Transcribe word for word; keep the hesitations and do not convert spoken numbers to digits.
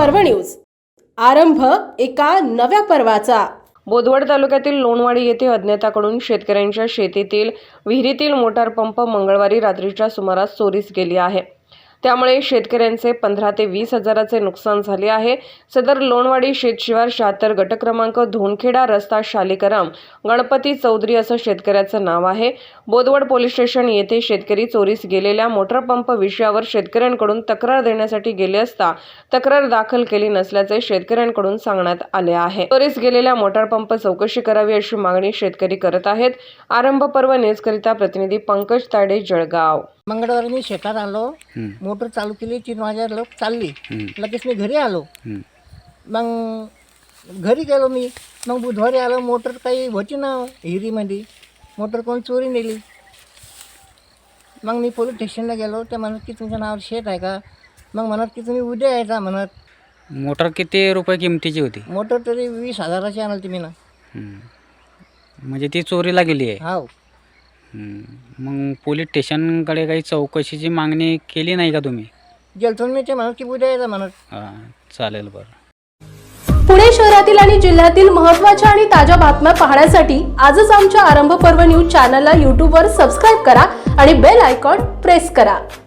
पर्व न्यूज। आरंभ एका नव्या पर्वाचा। बोदवड तालुक्यातील लोणवाडी येथे अज्ञाताकडून शेतकऱ्यांच्या शेतीतील विहिरीतील मोटार पंप मंगळवारी रात्रीच्या सुमारास चोरीस गेली आहे। त्यामुळे शेतकऱ्यांचे पंधरा ते वीस हजाराचे नुकसान झाले आहे। सदर लोणवाडी शेतशिवार शहात्तर गट क्रमांक धोनखेडा रस्ता शालिकराम गणपती चौधरी असं शेतकऱ्याचं नाव आहे। बोदवड पोलीस स्टेशन येथे शेतकरी चोरीस गेलेल्या मोटार पंप विषयावर शेतकऱ्यांकडून तक्रार देण्यासाठी गेले असता तक्रार दाखल केली नसल्याचे शेतकऱ्यांकडून सांगण्यात आले आहे। चोरीस गेलेल्या मोटार पंप चौकशी करावी अशी मागणी शेतकरी करत आहेत। आरंभ पर्व न्यूजकरिता प्रतिनिधी पंकज ताडे, जळगाव। मंगळवारी मी शेतात आलो, मोटर चालू केली, तीन वाजता लोक चालली, लगेच मी घरी आलो। मग घरी गेलो मी, मग बुधवारी आलो, मोटर काही होती ना हिरीमध्ये, मोटर कोण चोरी नेली। मग मी पोलीस स्टेशनला गेलो, ते म्हणत की तुमच्या नावावर शेत आहे का? मग म्हणत की तुम्ही उद्या यायचा म्हणत। मोटर किती रुपये किमतीची होती? मोटर तरी वीस हजाराची आणली तुम्ही ना। म्हणजे ती चोरीला गेली आहे? हो। मग पोलीस स्टेशनकडे काही चौकशीची मागणी केली नाही का तुम्ही? गेलतो मी, ते म्हणत की उद्या यायचा म्हणत। हां, चालेल, बरं। पुणे शहरातील आणि जिल्ह्यातील महत्त्वाच्या आणि ताज्या बातम्या पाहण्यासाठी आजच आमच्या आरंभ पर्व न्यूज चॅनलला यूट्यूबवर सबस्क्राईब करा आणि बेल आयकॉन प्रेस करा।